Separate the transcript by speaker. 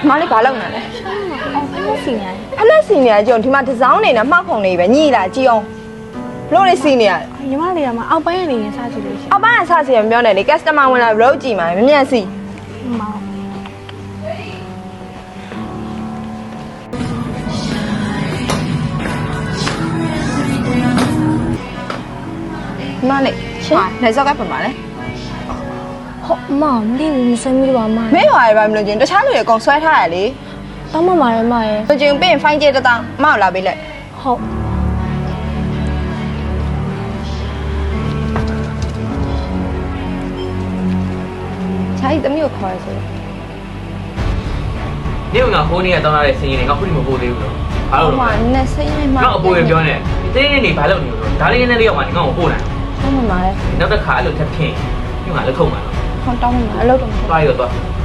Speaker 1: 妈你把老呢嘞？
Speaker 2: 哦，ဖက်စီနေ
Speaker 1: ဖလက်စီနေရကြုံဒီမှာဒီဇောင်းနေနဲ့မှောက်ခုံနေပဲညိလာကြည့်အောင်လို့လေးစီနေရတယ်
Speaker 2: ညီမလေးကမှအောက်ပိုင်းကနေရင်စားကြည့်လို့ရှိရင်
Speaker 1: အောက်ပိုင်းကစစီမပြောနဲ့လေ customer ဝင်လာဘလို့ကြည့်မှာမမြန်စီ
Speaker 2: မောင်
Speaker 1: မလေးရှင်နေစောက်ကပြန်ပါလေ
Speaker 2: ဟုတ်မောင်မသိဘူးမဆွေးမိတော့ပါမ
Speaker 1: မင်းရွာရပါမလို့ချင်းတခြားလူတွေအကုန်ဆွဲထားရလေ
Speaker 2: တောင်းမပါရဲ့မရဲ့
Speaker 1: လူချင်းပြင်ဖိုင်းကျတဲ့တောင်းမောက်လာပေးလိုက်
Speaker 2: ဟုတ်
Speaker 1: ခြားကြီးသမီးကိုခေါ်ရဆို
Speaker 3: နေကဟိုးနေရတောင်းလာတဲ့စင်ရင်တွေငါခုထိမပို့သေးဘူးတော့ဘာလို့
Speaker 1: ဟို
Speaker 3: လဲ
Speaker 1: မှာနဲ့စိတ်နဲ့မှ
Speaker 3: ငါအပိုးရပြောနေတင်းနေနေဘာလို့နေလို့ဒါလေးနဲ့လေးရောက်မှငါ့ကိုပို့နိုင်
Speaker 1: ဟုတ်မှာလေ
Speaker 3: နောက်တစ်ခါအဲ့လိုထပ်ဖြစ်ညငါလက်ထုံမှာ
Speaker 1: ဟောတောင်းမှာအလုပ်တော့
Speaker 3: သွားရောသွား
Speaker 1: ဟ